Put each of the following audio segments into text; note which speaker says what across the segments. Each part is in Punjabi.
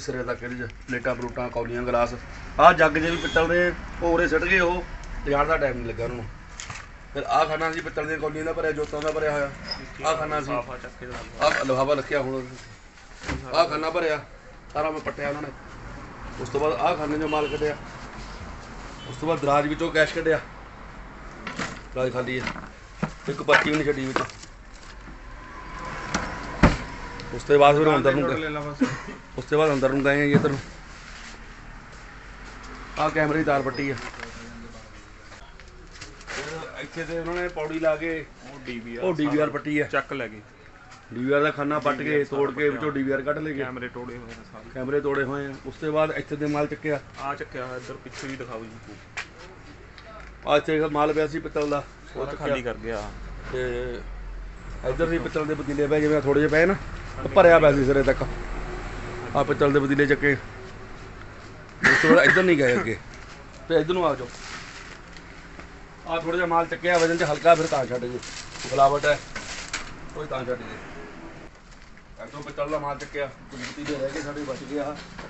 Speaker 1: सिरे तक प्लेटा प्लूटा कौलियां गिलास आ जग जे भी पित्तल दे उरे सिट गए वो लिजाण का टाइम नहीं लगा उन्होंने। फिर आ खाना सी पित्तल दी कौलियां का भरिया जोतां का भरिया होया आ खाना सी आ लिफाफा रखिया हुण आ खाना भरिया सारा मैं पट्टिया उन्होंने। उस तो बाद आ खाने जो माल कढ़िया उस तो बाद दराज विचों कैश कढ़िया दराज खाली है एक पर्ची भी नहीं छड्डी विच। उस तो बाद फिर अंदर उस तो बाद अंदर नूं गए जी इधर आ कैमरे की तार पट्टी है इत्थे ते उन्होंने पौड़ी ला के DVR पट्टी है
Speaker 2: ਚੱਕ ਲੈ ਗਏ
Speaker 1: DVR का खाना पट के तोड़ के विचों DVR कढ़ ले गए
Speaker 2: ਕੈਮਰੇ ਤੋੜੇ ਹੋਏ ਨੇ ਸਾਰੇ
Speaker 1: कैमरे तोड़े हुए हैं। उस तो बाद इत्थे ते माल चक्या
Speaker 2: ਆ ਚੱਕਿਆ ਹੋਇਆ ਇੱਧਰ ਪਿੱਛੇ ਵੀ ਦਿਖਾਓ ਜੀ
Speaker 1: आ इत्थे माल पिया सी पित्तल दा
Speaker 2: ਸਾਰਾ ਖਾਲੀ ਕਰ ਗਿਆ
Speaker 1: ਤੇ इधर भी पित्तल के पतीले पे जिवें थोड़े जे पे ना भरिया पिया सी सिरे तक आ पित्तल के पतीले चक्के उस तो बाद इधर नहीं गए अगे तो इधर आ जाओ आ थोड़ा जिहा माल चक्या वजन च हल्का फिर तां छड्ड गए मिलावट है कोई तां छड्ड गए इधरों पित्तल का माल चक्या पतीले रह गए साढ़े बच गया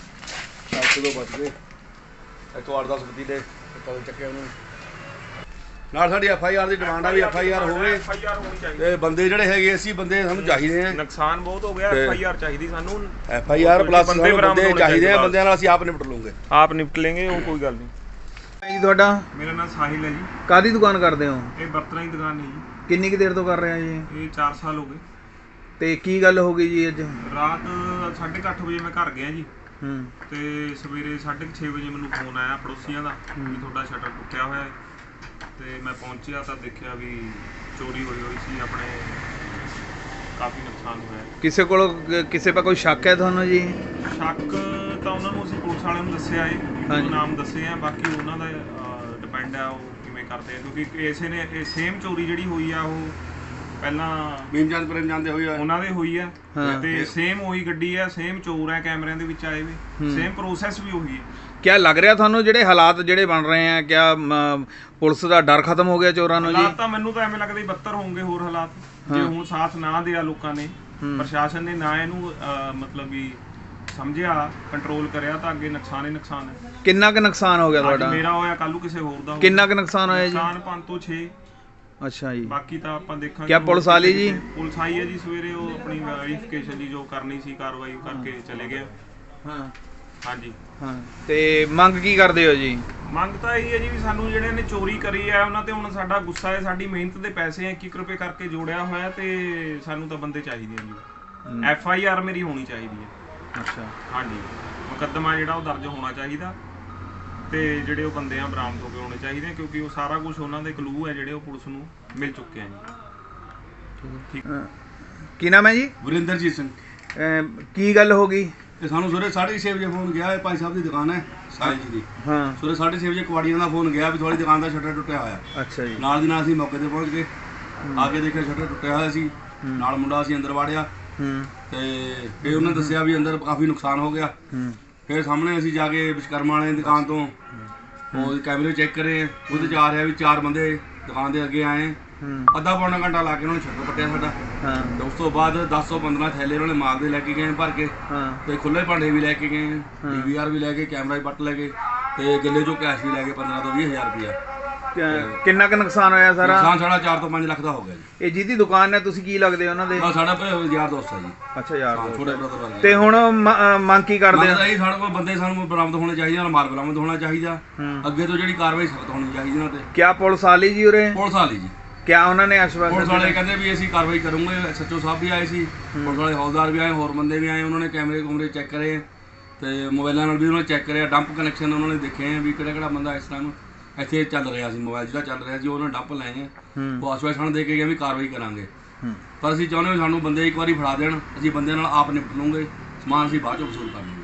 Speaker 1: 7 तो बच गए इतों 8-10 पतीले पित्तल चक्के उन्होंने ਨਾਲ ਸਾਡੀ FIR ਦੀ ਡਿਮਾਂਡ ਆ ਵੀ FIR ਹੋਵੇ
Speaker 2: FIR ਹੋਣੀ ਚਾਹੀਦੀ
Speaker 1: ਤੇ ਬੰਦੇ ਜਿਹੜੇ ਹੈਗੇ ਅਸੀਂ ਬੰਦੇ ਸਾਨੂੰ ਚਾਹੀਦੇ ਆ
Speaker 2: ਨੁਕਸਾਨ ਬਹੁਤ ਹੋ ਗਿਆ FIR ਚਾਹੀਦੀ ਸਾਨੂੰ
Speaker 1: FIR ਪਲੱਸ ਬੰਦੇ ਚਾਹੀਦੇ ਆ ਬੰਦਿਆਂ ਨਾਲ ਅਸੀਂ ਆਪ ਨਿਪਟ ਲਵਾਂਗੇ
Speaker 2: ਆਪ ਨਿਪਟ ਲੇਂਗੇ ਉਹ ਕੋਈ ਗੱਲ ਨਹੀਂ
Speaker 3: ਜੀ ਤੁਹਾਡਾ
Speaker 2: ਮੇਰਾ ਨਾਮ ਸਾਹਿਲ ਹੈ ਜੀ
Speaker 3: ਕਾਹਦੀ ਦੁਕਾਨ ਕਰਦੇ ਹੋ?
Speaker 2: ਇਹ ਬਰਤਨਾਂ ਦੀ ਦੁਕਾਨ ਹੈ ਜੀ
Speaker 3: ਕਿੰਨੀ ਕੁ ਦੇਰ ਤੋਂ ਕਰ ਰਹੇ ਆ ਜੀ?
Speaker 2: ਇਹ 4 ਸਾਲ ਹੋ ਗਏ
Speaker 3: ਤੇ ਕੀ ਗੱਲ ਹੋ ਗਈ ਜੀ ਅੱਜ?
Speaker 2: ਰਾਤ 8:30 ਵਜੇ ਮੈਂ ਘਰ ਗਿਆ ਜੀ
Speaker 3: ਹੂੰ
Speaker 2: ਤੇ ਸਵੇਰੇ 6:30 ਵਜੇ ਮੈਨੂੰ ਫੋਨ ਆਇਆ ਪੜੋਸੀਆਂ ਦਾ ਵੀ ਤੁਹਾਡਾ ਸ਼ਟਰ ਟੁੱਟਿਆ ਹੋਇਆ ਹੈ ਤੇ ਮੈਂ ਪਹੁੰਚਿਆ ਤਾਂ ਦੇਖਿਆ ਵੀ ਚੋਰੀ ਹੋਈ ਸੀ ਆਪਣੇ ਕਾਫੀ ਨੁਕਸਾਨ ਹੋਇਆ।
Speaker 3: ਕਿਸੇ ਕੋਲ ਕਿਸੇ ਪਾ ਕੋਈ ਸ਼ੱਕ ਹੈ ਤੁਹਾਨੂੰ ਜੀ?
Speaker 2: ਸ਼ੱਕ ਤਾਂ ਉਹਨਾਂ ਨੂੰ ਅਸੀਂ ਪੁਲਿਸ ਵਾਲਿਆਂ ਨੂੰ ਦੱਸਿਆ ਏ ਉਹ ਨਾਮ ਦੱਸੇ ਆ ਬਾਕੀ ਉਹਨਾਂ ਦਾ ਡਿਪੈਂਡ ਆ ਉਹ ਕਿਵੇਂ ਕਰਦੇ ਆ ਕਿਉਂਕਿ ਇਸੇ ਨੇ ਇਹ ਸੇਮ ਚੋਰੀ ਜਿਹੜੀ ਹੋਈ ਆ ਉਹ ਪਹਿਲਾਂ
Speaker 1: ਮੀਮਚੰਦ ਪ੍ਰੇਮ ਜਾਂਦੇ ਹੋਈ ਆ
Speaker 2: ਉਹਨਾਂ ਦੇ ਹੋਈ ਆ ਤੇ ਸੇਮ ਉਹੀ ਗੱਡੀ ਆ ਸੇਮ ਚੋਰ ਆ ਕੈਮਰਿਆਂ ਦੇ ਵਿੱਚ ਆਏ ਵੇ ਸੇਮ ਪ੍ਰੋਸੈਸ ਵੀ ਉਹੀ ਹੈ।
Speaker 3: ਕਿਆ ਲੱਗ ਰਿਹਾ ਤੁਹਾਨੂੰ ਜਿਹੜੇ ਹਾਲਾਤ ਜਿਹੜੇ ਬਣ ਰਹੇ ਆ ਕਿਆ ਪੁਲਿਸ ਦਾ ਡਰ ਖਤਮ ਹੋ ਗਿਆ ਚੋਰਾਂ ਨੂੰ ਜੀ?
Speaker 2: ਹਾਲਾਤ ਤਾਂ ਮੈਨੂੰ ਤਾਂ ਐਵੇਂ ਲੱਗਦਾ ਵੀ ਬੱਤਰ ਹੋਣਗੇ ਹੋਰ ਹਾਲਾਤ ਜੇ ਹੁਣ ਸਾਥ ਨਾ ਦਿਆ ਲੋਕਾਂ ਨੇ ਪ੍ਰਸ਼ਾਸਨ ਨੇ ਨਾ ਇਹਨੂੰ ਮਤਲਬ ਵੀ ਸਮਝਿਆ ਕੰਟਰੋਲ ਕਰਿਆ ਤਾਂ ਅੱਗੇ ਨੁਕਸਾਨ ਹੀ ਨੁਕਸਾਨ ਹੈ।
Speaker 3: ਕਿੰਨਾ ਕੁ ਨੁਕਸਾਨ ਹੋ ਗਿਆ ਤੁਹਾਡਾ?
Speaker 2: ਮੇਰਾ ਹੋਇਆ ਕੱਲੂ ਕਿਸੇ ਹੋਰ ਦਾ
Speaker 3: ਕਿੰਨਾ ਕੁ ਨੁਕਸਾਨ ਹੋਇਆ ਜੀ?
Speaker 2: ਨੁਕਸਾਨ 5 ਤੋਂ 6।
Speaker 3: ਅੱਛਾ ਜੀ
Speaker 2: ਬਾਕੀ ਤਾਂ ਆਪਾਂ ਦੇਖਾਂਗੇ।
Speaker 3: ਕਿਆ ਪੁਲਿਸ ਆਲੀ ਜੀ?
Speaker 2: ਪੁਲਿਸ ਆਈ ਹੈ ਜੀ ਸਵੇਰੇ ਉਹ ਆਪਣੀ ਵੈਰੀਫਿਕੇਸ਼ਨ ਜੀ ਜੋ ਕਰਨੀ ਸੀ ਕਾਰਵਾਈ ਕਰਕੇ ਚਲੇ ਗਏ।
Speaker 3: ਹਾਂ
Speaker 2: ਹਾਂਜੀ
Speaker 3: ਹਾਂ ਤੇ ਮੰਗ ਕੀ ਕਰਦੇ ਹੋ ਜੀ?
Speaker 2: ਮੰਗ ਤਾਂ ਇਹੀ ਹੈ ਜੀ ਵੀ ਸਾਨੂੰ ਜਿਹੜੇ ਨੇ ਚੋਰੀ ਕਰੀ ਹੈ ਉਹਨਾਂ ਤੇ ਹੁਣ ਸਾਡਾ ਗੁੱਸਾ ਹੈ ਸਾਡੀ ਮਿਹਨਤ ਦੇ ਪੈਸੇ 1-1 ਰੁਪਏ ਕਰਕੇ ਜੋੜਿਆ ਹੋਇਆ ਤੇ ਸਾਨੂੰ ਤਾਂ ਬੰਦੇ ਚਾਹੀਦੇ ਆ ਜੀ। FIR ਮੇਰੀ ਹੋਣੀ ਚਾਹੀਦੀ ਹੈ।
Speaker 3: ਅੱਛਾ
Speaker 2: ਹਾਂਜੀ ਮੁਕੱਦਮਾ ਜਿਹੜਾ ਉਹ ਦਰਜ ਹੋਣਾ ਚਾਹੀਦਾ ਤੇ ਜਿਹੜੇ ਉਹ ਬੰਦੇ ਆ ਬਰਾਮਦ ਹੋ ਕੇ ਆਉਣੇ ਚਾਹੀਦੇ ਕਿਉਂਕਿ ਉਹ ਸਾਰਾ ਕੁਝ ਉਹਨਾਂ ਦੇ ਕਲੂ ਹੈ ਜਿਹੜੇ ਉਹ ਪੁਲਿਸ ਨੂੰ ਮਿਲ ਚੁੱਕੇ ਆ ਜੀ। ਠੀਕ
Speaker 3: ਕੀ ਨਾਮ ਹੈ ਜੀ?
Speaker 1: ਵਰਿੰਦਰਜੀਤ ਸਿੰਘ।
Speaker 3: ਕੀ ਗੱਲ ਹੋ ਗਈ?
Speaker 1: ਤੇ ਸਾਨੂੰ ਸਵੇਰੇ 6:30 ਵਜੇ ਫੋਨ ਗਿਆ ਹੈ ਭਾਈ ਸਾਹਿਬ ਦੀ ਦੁਕਾਨ ਹੈ ਸਾਹਿਲ ਜੀ ਦੀ।
Speaker 3: ਹਾਂ
Speaker 1: ਸਵੇਰੇ 6:30 ਵਜੇ ਕਵਾੜੀਆਂ ਦਾ ਫੋਨ ਗਿਆ ਵੀ ਤੁਹਾਡੀ ਦੁਕਾਨ ਦਾ ਸ਼ਟਰ ਟੁੱਟਿਆ ਹੋਇਆ।
Speaker 3: ਅੱਛਾ ਜੀ
Speaker 1: ਨਾਲ ਦੀ ਨਾਲ ਅਸੀਂ ਮੌਕੇ ਤੇ ਪਹੁੰਚ ਗਏ ਆ ਕੇ ਦੇਖਿਆ ਸ਼ਟਰ ਟੁੱਟਿਆ ਹੋਇਆ ਸੀ ਨਾਲ ਮੁੰਡਾ ਅਸੀਂ ਅੰਦਰ ਵਾੜਿਆ ਤੇ ਫਿਰ ਉਹਨੇ ਦੱਸਿਆ ਵੀ ਅੰਦਰ ਕਾਫੀ ਨੁਕਸਾਨ ਹੋ ਗਿਆ। ਫਿਰ ਸਾਹਮਣੇ ਅਸੀਂ ਜਾ ਕੇ ਵਿਸ਼ਕਰਮਾ ਵਾਲੇ ਦੀ ਦੁਕਾਨ ਤੋਂ ਉਹ ਕੈਮਰੇ ਚੈੱਕ ਕਰੇ ਉਹਦੇ 'ਚ ਆ ਰਿਹਾ ਵੀ 4 ਬੰਦੇ ਦੁਕਾਨ ਦੇ ਅੱਗੇ ਆਏ ਅੱਧਾ ਪੌਣਾ ਘੰਟਾ ਲਾ ਕੇ ਉਹਨਾਂ ਨੇ ਸ਼ਟਰ ਪੱਟਿਆ ਸਾਡਾ। ਤੇ ਉਸ ਤੋਂ ਬਾਅਦ 10 ਤੋਂ 15 ਥੈਲੇ ਉਹਨਾਂ ਨੇ ਮਾਲ ਦੇ ਲੈ ਕੇ ਗਏ ਭਰ ਕੇ ਤੇ ਖੁੱਲੇ ਭਾਂਡੇ ਵੀ ਲੈ ਕੇ ਗਏ DVR ਵੀ ਲੈ ਕੇ ਕੈਮਰਾ ਵੀ ਪੱਟ ਲੈ ਗਏ ਤੇ ਗੱਲੇ ਚੋਂ ਕੈਸ਼ ਵੀ ਲੈ ਕੇ 15 ਤੋਂ 20 ਹਜ਼ਾਰ ਰੁਪਇਆ।
Speaker 3: ਕਿੰਨਾ ਕੁ ਨੁਕਸਾਨ ਹੋਇਆ ਸਾਰਾ?
Speaker 1: ਨੁਕਸਾਨ ਸਾਡਾ 4 ਤੋਂ 5 ਲੱਖ ਦਾ ਹੋ ਗਿਆ ਜੀ।
Speaker 3: ਇਹ ਜਿਹਦੀ ਦੁਕਾਨ ਹੈ ਤੁਸੀਂ ਕੀ ਲੱਗਦੇ ਉਹਨਾਂ ਦੇ?
Speaker 1: ਸਾਡਾ ਯਾਰ ਦੋਸਤ ਹੈ ਜੀ।
Speaker 3: ਅੱਛਾ ਯਾਰ
Speaker 1: ਛੋਟੇ ਬ੍ਰਦਰ।
Speaker 3: ਤੇ ਹੁਣ ਮੰਗ ਕੀ ਕਰਦੇ ਆ?
Speaker 1: ਸਾਡੇ ਕੋਲ ਬੰਦੇ ਸਾਨੂੰ ਬਰਾਮਦ ਹੋਣੇ ਚਾਹੀਦੇ ਨਾਲ ਮਾਲ ਬਰਾਮਦ ਹੋਣਾ ਚਾਹੀਦਾ ਅੱਗੇ ਤੋਂ ਜਿਹੜੀ ਕਾਰਵਾਈ ਸਖਤ ਹੋਣੀ ਚਾਹੀਦੀ ਉਹਨਾਂ ਤੇ।
Speaker 3: ਕਿਆ ਪੁਲਿਸ ਵਾਲੀ ਜੀ ਉਰੇ?
Speaker 1: ਪੁਲਿਸ ਵਾਲੀ ਜੀ।
Speaker 3: ਕਿਆ ਉਹਨਾਂ ਨੇ ਆਸ਼ਵਾਸਨ?
Speaker 1: ਪੁਲਿਸ ਵਾਲੇ ਕਹਿੰਦੇ ਵੀ ਅਸੀਂ ਕਾਰਵਾਈ ਕਰੂੰਗੇ। SHO ਸਾਹਿਬ ਵੀ ਆਏ ਸੀ ਪੁਲਿਸ ਵਾਲੇ ਹੌਲਦਾਰ ਵੀ ਆਏ ਹੋਰ ਬੰਦੇ ਵੀ ਆਏ ਉਹਨਾਂ ਨੇ ਕੈਮਰੇ ਚੈੱਕ ਕਰੇ ਤੇ ਮੋਬਾਈਲਾਂ ਨਾਲ ਵੀ ਉਹਨਾਂ ਨੇ ਚੈੱਕ ਕਰਿਆ ਡੰਪ ਕਨੈਕਸ਼ਨ ਉਹਨਾਂ ਨੇ ਦੇਖੇ ਵੀ ਕਿਹੜਾ ਬੰਦਾ ਇਸ ਟਾਈਮ ਇੱਥੇ ਚੱਲ ਰਿਹਾ ਸੀ ਮੋਬਾਈਲ ਜਿਹੜਾ ਚੱਲ ਰਿਹਾ ਸੀ ਉਹਨਾਂ ਡੰਪ ਲਏ ਆ ਉਹ ਆਸ਼ਵਾਸਨ ਦੇ ਕੇ ਗਏ ਵੀ ਕਾਰਵਾਈ ਕਰਾਂਗੇ ਪਰ ਅਸੀਂ ਚਾਹੁੰਦੇ ਹਾਂ ਸਾਨੂੰ ਬੰਦੇ ਇੱਕ ਵਾਰੀ ਫੜਾ ਦੇਣ ਅਸੀਂ ਬੰਦਿਆਂ ਨਾਲ ਆਪ ਨਿਪਟ ਲਵਾਂਗੇ ਸਮਾਨ ਅਸੀਂ ਬਾਅਦ ਚੋਂ ਵਸੂਲ ਕਰਾਂਗੇ।